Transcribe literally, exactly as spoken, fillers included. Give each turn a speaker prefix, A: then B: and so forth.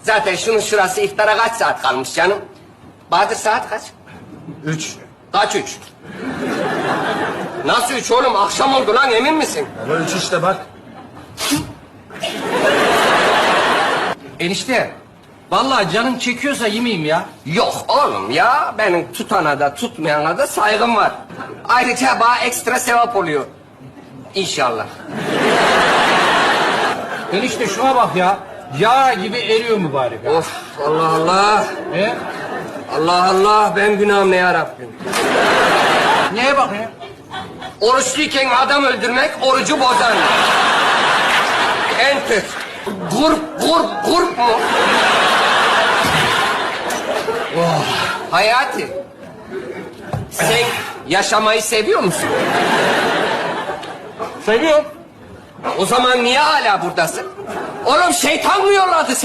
A: Zaten şunun şurası iftara kaç saat kalmış canım? Bahadır saat kaç?
B: Üç.
A: Kaç üç? Nasıl üç oğlum? Akşam oldu lan, emin misin?
B: Baba üç işte bak.
C: Enişte, vallahi canın çekiyorsa yemeyeyim ya.
A: Yok oğlum ya, benim tutana da tutmayana da saygım var. Ayrıca bana ekstra sevap oluyor. İnşallah.
C: Enişte şuna bak ya. Yağ gibi eriyor mübarek ha.
A: Of, Allah Allah.
C: He?
A: Allah Allah, ben günahım ne yarabbim.
C: Neye bak ya?
A: Oruçluyken adam öldürmek orucu bozar. Enter. Gurp, gurp, gurp mu? Oh. Hayati, sen yaşamayı seviyor musun?
C: Seviyorum.
A: O zaman niye hala buradasın? Oğlum şeytan mı yolladı seni?